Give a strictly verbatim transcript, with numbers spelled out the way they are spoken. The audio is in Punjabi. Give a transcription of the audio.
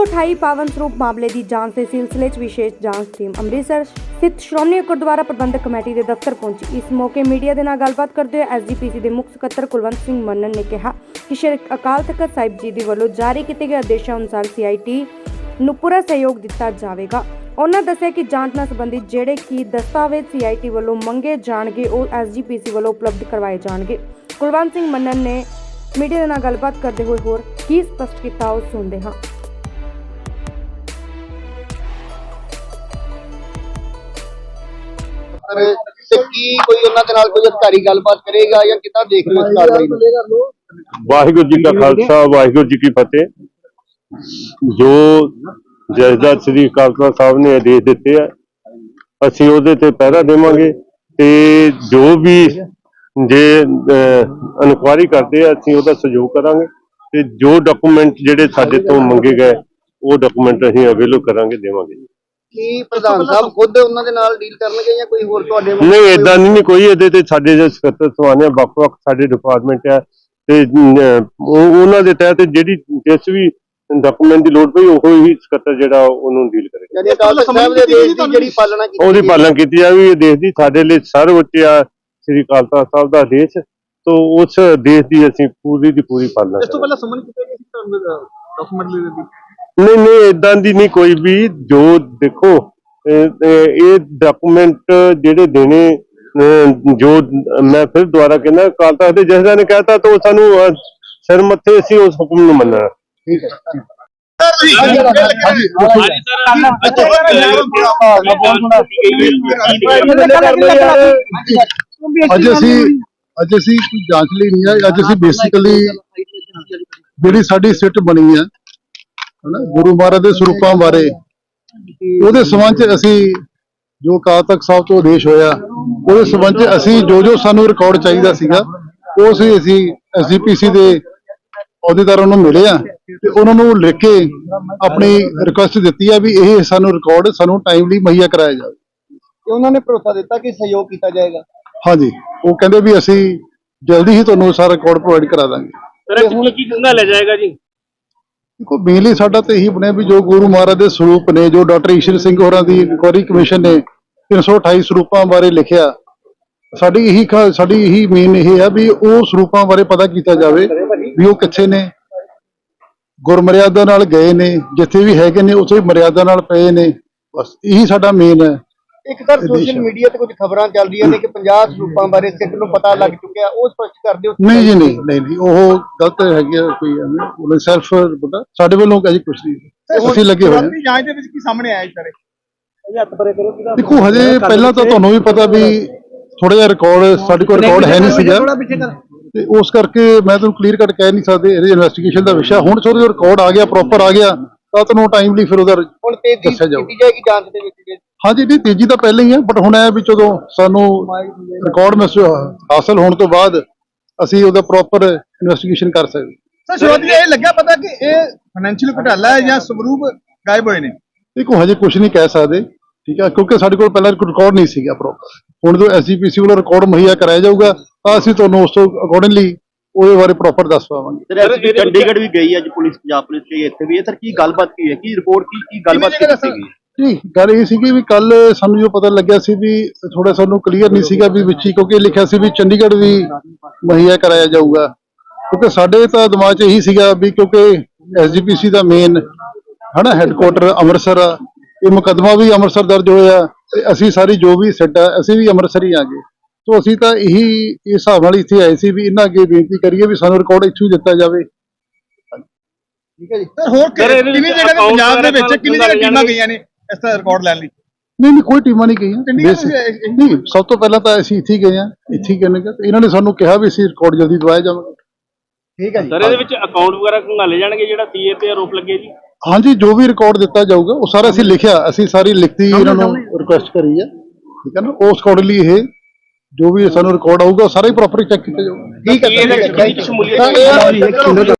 अठाई पावन स्वरूप मामले की जांच के सिलसिले च विशेष जांच टीम अमृतसर स्थित श्रोमणी गुरुद्वारा प्रबंधक कमेटी के दफ्तर पहुंची। इस मौके मीडिया के नाल गलबात करते हुए एस जी पी सी के मुख्य सकत्तर कुलवंत सिंह मनन ने कहा कि श्री अकाल तख्त साहिब जी के वलों जारी किए गए आदेशों अनुसार सी आई टी नूं पूरा सहयोग दिता जाएगा। उन्होंने दस्सिया कि जांच नाल संबंधित जेड़े कि दस्तावेज सी आई टी वलों मंगे जाणगे वो एस जी पी सी वलों उपलब्ध करवाए जाणगे। कुलवंत सिंह मनन ने मीडिया के नाल गलबात करते हुए होर की स्पष्ट किया, वो सुनते हैं। ਤੇ ਕੀ ਕੋਈ ਉਹਨਾਂ ਦੇ ਨਾਲ ਕੋਈ ਅਧਿਕਾਰੀ ਗੱਲਬਾਤ ਕਰੇਗਾ ਜਾਂ ਕਿੱਦਾਂ ਦੇਖ ਰਹੇ ਹੋ ਇਸ ਕਾਰਵਾਈ ਨੂੰ? ਵਾਹਿਗੁਰੂ ਜੀ ਕਾ ਖਾਲਸਾ ਵਾਹਿਗੁਰੂ ਜੀ ਕੀ ਫਤਿਹ। ਜੋ ਜਥੇਦਾਰ ਸ੍ਰੀ ਅਕਾਲ ਤਖ਼ਤ ਸਾਹਿਬ ਨੇ ਆਦੇਸ਼ ਦਿੱਤੇ ਆ ਅਸੀਂ ਉਹਦੇ ਤੇ ਪਹਿਰਾ ਦੇਵਾਂਗੇ ਤੇ ਜੋ ਵੀ ਜੇ ਇਨਕੁਆਇਰੀ ਕਰਦੇ ਆ ਅਸੀਂ ਉਹਦਾ ਸਹਿਯੋਗ ਕਰਾਂਗੇ ਤੇ ਜੋ ਡਾਕੂਮੈਂਟ ਜਿਹੜੇ ਸਾਡੇ ਤੋਂ ਮੰਗੇ ਗਏ ਉਹ ਡਾਕੂਮੈਂਟ ਅਸੀਂ ਅਵੇਲੇਬਲ ਕਰਾਂਗੇ, ਦੇਵਾਂਗੇ। ਕੀ ਪ੍ਰਧਾਨ ਸਾਹਿਬ ਖੁਦ ਉਹਨਾਂ ਦੇ ਨਾਲ ਡੀਲ ਕਰਨਗੇ ਜਾਂ ਕੋਈ ਹੋਰ ਤੁਹਾਡੇ ਵੱਲੋਂ? ਨਹੀਂ, ਏਦਾਂ ਨਹੀਂ, ਕੋਈ ਇਹਦੇ ਤੇ ਸਾਡੇ ਜੋ ਸਕੱਤਰ ਸਵਾਨੇ ਵੱਖ-ਵੱਖ ਸਾਡੇ ਡਿਪਾਰਟਮੈਂਟ ਆ ਤੇ ਉਹ ਉਹਨਾਂ ਦੇ ਤਹਿਤ ਜਿਹੜੀ ਜਿਸ ਵੀ ਡਾਕੂਮੈਂਟ ਦੀ ਲੋੜ ਪਈ ਉਹ ਹੀ ਸਕੱਤਰ ਜਿਹੜਾ ਉਹਨੂੰ ਡੀਲ ਕਰੇਗਾ। ਯਾਨੀ ਅਕਾਲ ਤਖ਼ਤ ਸਾਹਿਬ ਦੇ ਆਦੇਸ਼ ਦੀ ਜਿਹੜੀ ਪਾਲਣਾ ਕੀਤੀ ਉਹਦੀ ਪਾਲਣਾ ਕੀਤੀ ਜਾਵੇ। ਇਹ ਦੇਸ਼ ਦੀ ਸਾਡੇ ਲਈ ਸਰਵਉੱਚ ਆ ਸ੍ਰੀ ਅਕਾਲ ਤਖ਼ਤ ਸਾਹਿਬ ਦਾ ਆਦੇਸ਼, ਤੋਂ ਉਸ ਦੇਸ਼ ਦੀ ਅਸੀਂ ਪੂਰੀ ਦੀ ਪੂਰੀ ਪਾਲਣਾ ਕਰਾਂਗੇ। ਇਸ ਤੋਂ ਪਹਿਲਾਂ ਸਮਨ ਕੀਤਾ ਗਿਆ ਸੀ ਤੁਹਾਨੂੰ ਡਾਕੂਮੈਂਟ ਲਈ ਦੀ? ਨਹੀਂ ਨਹੀਂ, ਏਦਾਂ ਦੀ ਨਹੀਂ ਕੋਈ ਵੀ। ਜੋ ਦੇਖੋ ਇਹ ਡਾਕੂਮੈਂਟ ਜਿਹੜੇ ਦੇਣੇ, ਜੋ ਮੈਂ ਫਿਰ ਦੁਬਾਰਾ ਕਹਿੰਦਾ ਅਕਾਲ ਤਖ਼ਤ ਦੇ ਜਥੇਦਾਰ ਨੇ ਕਹਿਤਾ ਤਾਂ ਸਾਨੂੰ ਸਿਰ ਮੱਥੇ ਅਸੀਂ ਉਸ ਹੁਕਮ ਨੂੰ ਮੰਨਣਾ। ਠੀਕ ਹੈ। ਅੱਜ ਅਸੀਂ ਅੱਜ ਅਸੀਂ ਕੋਈ ਜਾਂਚ ਲਈ ਨਹੀਂ ਆਏ। ਅੱਜ ਅਸੀਂ ਬੇਸਿਕਲੀ ਜਿਹੜੀ ਸਾਡੀ ਸਿੱਟ ਬਣੀ ਹੈ ਹਨਾ ਗੁਰੂ ਮਹਾਰਾਜ ਦੇ ਸਰੂਪਾਂ ਬਾਰੇ, ਉਹਦੇ ਸੰਬੰਧ ਚ ਅਸੀਂ ਜੋ ਅਕਾਲ ਤਖ਼ਤ ਸਾਹਿਬ ਤੋਂ ਆਦੇਸ਼ ਹੋਇਆ ਉਹਦੇ ਸੰਬੰਧ ਚ ਅਸੀਂ ਜੋ ਜੋ ਸਾਨੂੰ ਰਿਕਾਰਡ ਚਾਹੀਦਾ ਸੀਗਾ ਉਹ ਅਸੀਂ ਅਸੀਂ ਐਸ ਜੀ ਪੀ ਸੀ ਦੇ ਅਹੁਦੇਦਾਰਾਂ ਨੂੰ ਮਿਲੇ ਆ ਤੇ ਉਹਨਾਂ ਨੂੰ ਲਿਖ ਕੇ ਆਪਣੀ ਰਿਕੁਐਸਟ ਦਿੱਤੀ ਆ ਵੀ ਇਹ ਸਾਨੂੰ ਰਿਕਾਰਡ ਸਾਨੂੰ ਟਾਈਮਲੀ ਮੁਹੱਈਆ ਕਰਾਇਆ ਜਾਵੇ। ਤੇ ਉਹਨਾਂ ਨੇ ਭਰੋਸਾ ਦਿੱਤਾ ਕਿ ਸਹਿਯੋਗ ਕੀਤਾ ਜਾਏਗਾ। ਹਾਂਜੀ, ਉਹ ਕਹਿੰਦੇ ਵੀ ਅਸੀਂ ਜਲਦੀ ਹੀ ਤੁਹਾਨੂੰ ਸਾਰਾ ਰਿਕਾਰਡ ਪ੍ਰੋਵਾਈਡ ਕਰਾ ਦਾਂਗੇ। ਸਰ ਹੁਣ ਕੀ ਕਿੰਨਾ ਲੈ ਜਾਏਗਾ ਜੀ? ਦੇਖੋ, ਮੇਨਲੀ ਸਾਡਾ ਤਾਂ ਇਹੀ ਬਣਿਆ ਵੀ ਜੋ ਗੁਰੂ ਮਹਾਰਾਜ ਦੇ ਸਰੂਪ ਨੇ, ਜੋ ਡਾਕਟਰ ਈਸ਼ਰ ਸਿੰਘ ਹੋਰਾਂ ਦੀ ਇਨਕੁਆਇਰੀ ਕਮਿਸ਼ਨ ਨੇ ਤਿੰਨ ਸੌ ਅਠਾਈ ਸਰੂਪਾਂ ਬਾਰੇ ਲਿਖਿਆ, ਸਾਡੀ ਇਹੀ ਸਾਡੀ ਇਹੀ ਮੇਨ ਇਹ ਆ ਵੀ ਉਹ ਸਰੂਪਾਂ ਬਾਰੇ ਪਤਾ ਕੀਤਾ ਜਾਵੇ ਵੀ ਉਹ ਕਿੱਥੇ ਨੇ, ਗੁਰਮਰਿਆਦਾ ਨਾਲ ਗਏ ਨੇ, ਜਿੱਥੇ ਵੀ ਹੈਗੇ ਨੇ ਉੱਥੇ ਮਰਿਆਦਾ ਨਾਲ ਪਏ ਨੇ। ਬਸ ਇਹੀ ਸਾਡਾ ਮੇਨ ਹੈ। ਇੱਕ ਸਰ ਸੋਸ਼ਲ ਮੀਡੀਆ ਤੇ ਕੁਝ ਖਬਰਾਂ ਚੱਲ ਰਹੀਆਂ ਨੇ ਕਿ ਪੰਜਾਹ ਸਰੂਪਾਂ ਬਾਰੇ ਸਿੱਖ ਨੂੰ ਪਤਾ ਲੱਗ ਚੁੱਕਿਆ, ਉਹ ਸਪਸ਼ਟ ਕਰ ਦਿਓ। ਨਹੀਂ ਜੀ, ਨਹੀਂ ਨਹੀਂ ਨਹੀਂ, ਉਹ ਗਲਤ ਹੈਗੀ ਆ। ਕੋਈ ਉਹਨੇ ਸੈਲਫ ਪਤਾ ਸਾਡੇ ਵੱਲੋਂ ਅਜੇ ਕੁਝ ਨਹੀਂ, ਅਸੀਂ ਲੱਗੇ ਹੋਏ ਹਾਂ। ਜਾਂਚ ਦੇ ਵਿੱਚ ਕੀ ਸਾਹਮਣੇ ਆਇਆ ਸਰ? ਹੱਥ ਪਰੇ ਕਰੋ। ਦੇਖੋ, ਹਜੇ ਪਹਿਲਾਂ ਤਾਂ ਤੁਹਾਨੂੰ ਵੀ ਪਤਾ ਵੀ ਥੋੜਾ ਜਿਹਾ ਰਿਕਾਰਡ ਸਾਡੇ ਕੋਲ ਰਿਕਾਰਡ ਹੈ ਨਹੀਂ ਸੀਗਾ ਤੇ ਉਸ ਕਰਕੇ ਮੈਂ ਤੁਹਾਨੂੰ ਕਲੀਅਰ ਕੱਟ ਕਹਿ ਨਹੀਂ ਸਕਦੇ, ਇਹਦੇ ਇਨਵੈਸਟੀਗੇਸ਼ਨ ਦਾ ਵਿਸ਼ਾ। ਹੁਣ ਜਦੋਂ ਰਿਕਾਰਡ ਆ ਗਿਆ, ਪ੍ਰੋਪਰ ਆ ਗਿਆ ਤਾਂ ਤੁਹਾਨੂੰ ਟਾਈਮਲੀ ਫਿਰ ਉਹਦਾ ਹੁਣ ਤੇਜ਼ੀ ਕੀਤੀ ਜਾਏਗੀ ਜਾਂਚ ਦੇ ਵਿੱਚ। ਹਾਂਜੀ, ਨਹੀਂ ਤੇਜ਼ੀ ਤਾਂ ਪਹਿਲਾਂ ਹੀ ਹੈ, ਬਟ ਹੁਣ ਇਹ ਵੀ ਜਦੋਂ ਸਾਨੂੰ ਰਿਕਾਰਡ ਮਿਸ ਹਾਸਲ ਹੋਣ ਤੋਂ ਬਾਅਦ ਅਸੀਂ ਉਹਦਾ ਪ੍ਰੋਪਰ ਇਨਵੈਸਟੀਗੇਸ਼ਨ ਕਰ ਸਕਦੇ। ਸਰ ਸ਼ੁਰੂਆਤੀ ਇਹ ਲੱਗਿਆ ਪਤਾ ਕਿ ਇਹ ਫਾਈਨੈਂਸ਼ੀਅਲ ਘੁਟਾਲਾ ਹੈ ਜਾਂ ਸਵਰੂਪ ਗਾਇਬ ਹੋਏ ਨੇ? ਦੇਖੋ, ਹਜੇ ਕੁਝ ਨਹੀਂ ਕਹਿ ਸਕਦੇ, ਠੀਕ ਹੈ, ਕਿਉਂਕਿ ਸਾਡੇ ਕੋਲ ਪਹਿਲਾਂ ਰਿਕਾਰਡ ਨਹੀਂ ਸੀਗਾ ਪ੍ਰੋਪਰ। ਹੁਣ ਜੋ ਐਸ ਜੀ ਪੀ ਸੀ ਵੱਲੋਂ ਰਿਕਾਰਡ ਮੁਹੱਈਆ ਕਰਾਇਆ ਜਾਊਗਾ ਤਾਂ ਅਸੀਂ ਤੁਹਾਨੂੰ ਉਸ ਤੋਂ ਅਕੋਰਡਿੰਗਲੀ ਉਹਦੇ ਬਾਰੇ ਪ੍ਰੋਪਰ ਦੱਸ ਪਾਵਾਂਗੇ। ਚੰਡੀਗੜ੍ਹ ਵੀ ਗਈ ਅੱਜ ਪੁਲਿਸ, ਪੰਜਾਬ ਪੁਲਿਸ ਗਈ ਇੱਥੇ ਵੀ, ਸਰ ਕੀ ਗੱਲਬਾਤ ਕੀ ਹੈ, ਕੀ ਰਿਪੋਰਟ ਕੀ ਕੀ ਗੱਲਬਾਤ ਕੀਤੀ ਗਈ? ਜੀ, ਗੱਲ ਇਹ ਸੀਗੀ ਵੀ ਕੱਲ ਸਾਨੂੰ ਜੋ ਪਤਾ ਲੱਗਿਆ ਸੀ ਵੀ ਥੋੜਾ ਸਾਨੂੰ ਕਲੀਅਰ ਨਹੀਂ ਸੀਗਾ ਵੀ ਵਿੱਚੀ, ਕਿਉਂਕਿ ਲਿਖਿਆ ਸੀ ਵੀ ਚੰਡੀਗੜ੍ਹ ਵੀ ਮੁਹੱਈਆ ਕਰਾਇਆ ਜਾਊਗਾ। ਕਿਉਂਕਿ ਸਾਡੇ ਤਾਂ ਦਿਮਾਗ 'ਚ ਇਹੀ ਸੀਗਾ ਵੀ ਕਿਉਂਕਿ ਐਸ ਜੀ ਪੀ ਸੀ ਦਾ ਮੇਨ ਹਨਾ ਹੈੱਡਕੁਆਟਰ ਅੰਮ੍ਰਿਤਸਰ ਆ, ਇਹ ਮੁਕੱਦਮਾ ਵੀ ਅੰਮ੍ਰਿਤਸਰ ਦਰਜ ਹੋਇਆ ਤੇ ਅਸੀਂ ਸਾਰੀ ਜੋ ਵੀ ਸਿੱਟ ਆ ਅਸੀਂ ਵੀ ਅੰਮ੍ਰਿਤਸਰ ਹੀ ਆ ਗਏ। ਸੋ ਅਸੀਂ ਤਾਂ ਇਹੀ ਇਸ ਹਿਸਾਬ ਨਾਲ ਇੱਥੇ ਆਏ ਸੀ ਵੀ ਇਹਨਾਂ ਅੱਗੇ ਬੇਨਤੀ ਕਰੀਏ ਵੀ ਸਾਨੂੰ ਰਿਕਾਰਡ ਇੱਥੋਂ ਹੀ ਦਿੱਤਾ ਜਾਵੇ। ਠੀਕ ਹੈ ਜੀ। ਸਰ ਹੋਰ ਕਿੰਨੀ ਜਗ੍ਹਾ ਤੇ ਪੰਜਾਬ ਦੇ ਵਿੱਚ ਕਿੰਨੀ ਜਗ੍ਹਾ ਟੀਮਾਂ ਗਈਆਂ ਨੇ ਇਸ ਦਾ ਰਿਕਾਰਡ ਲੈਣ ਲਈ? ਨਹੀਂ ਨਹੀਂ, ਕੋਈ ਟੀਮਾਂ ਨਹੀਂ ਗਈਆਂ। ਨਹੀਂ, ਸਭ ਤੋਂ ਪਹਿਲਾਂ ਤਾਂ ਅਸੀਂ ਇੱਥੇ ਹੀ ਗਏ ਹਾਂ, ਇੱਥੇ ਹੀ ਗਏ ਤੇ ਇਹਨਾਂ ਨੇ ਸਾਨੂੰ ਕਿਹਾ ਵੀ ਅਸੀਂ ਰਿਕਾਰਡ ਜਲਦੀ ਦਵਾਇਆ ਜਾਵਾਂਗੇ। ਠੀਕ ਹੈ ਜੀ। ਸਰ ਇਹਦੇ ਵਿੱਚ ਅਕਾਊਂਟ ਵਗੈਰਾ ਖੰਗਾਲੇ ਜਾਣਗੇ ਜਿਹੜਾ ਸੀ ਏ ਤੇ ਆਰੋਪ ਲੱਗੇ ਜੀ? ਹਾਂਜੀ, ਜੋ ਵੀ ਰਿਕਾਰਡ ਦਿੱਤਾ ਜਾਊਗਾ ਉਹ ਸਾਰਾ ਅਸੀਂ ਲਿਖਿਆ, ਅਸੀਂ ਸਾਰੀ ਲਿਖਤੀ ਇਹਨਾਂ ਨੂੰ ਰਿਕੁਐਸਟ ਕਰੀ ਹੈ, ਠੀਕ ਹੈ ਨਾ। ਉਸ ਅਕੋਰਡਿੰਗਲੀ ਇਹ ਜੋ ਵੀ ਸਾਨੂੰ ਰਿਕਾਰਡ ਆਊਗਾ ਸਾਰਾ ਹੀ ਪ੍ਰੋਪਰ ਚੈੱਕ ਕੀਤਾ ਜਾਊਗਾ। ਠੀਕ ਹੈ।